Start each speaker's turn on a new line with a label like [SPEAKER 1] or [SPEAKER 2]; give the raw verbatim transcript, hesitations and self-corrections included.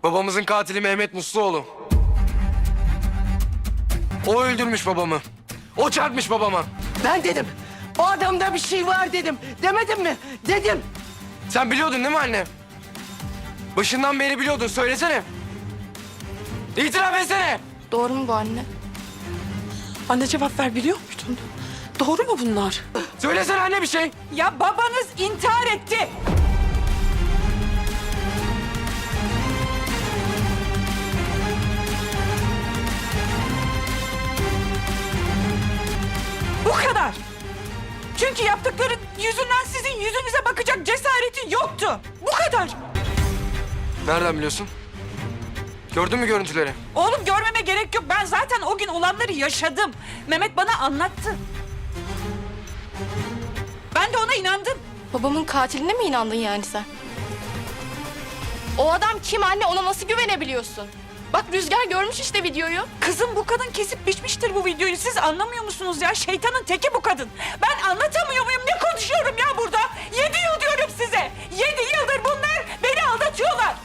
[SPEAKER 1] Babamızın katili Mehmet Musluoğlu. O öldürmüş babamı. O çarpmış babama.
[SPEAKER 2] Ben dedim. O adamda bir şey var dedim. Demedim mi? Dedim.
[SPEAKER 1] Sen biliyordun değil mi anne? Başından beri biliyordun. Söylesene. İtiraf etsene.
[SPEAKER 3] Doğru mu bu anne?
[SPEAKER 4] Anne cevap ver, biliyor muydun? Doğru mu bunlar?
[SPEAKER 1] Söylesene anne bir şey.
[SPEAKER 4] Ya babanız intihar etti. Bu kadar. Çünkü yaptıkları yüzünden sizin yüzünüze bakacak cesareti yoktu. Bu kadar.
[SPEAKER 1] Nereden biliyorsun? Gördün mü görüntüleri?
[SPEAKER 4] Oğlum görmeme gerek yok. Ben zaten o gün olanları yaşadım. Mehmet bana anlattı. Ben de ona inandım.
[SPEAKER 3] Babamın katiline mi inandın yani sen? O adam kim anne? Ona nasıl güvenebiliyorsun? Bak Rüzgar görmüş işte videoyu.
[SPEAKER 4] Kızım bu kadın kesip biçmiştir bu videoyu. Siz anlamıyor musunuz ya? Şeytanın teki bu kadın. Ben anlatamıyor muyum? Ne konuşuyorum ya? Bu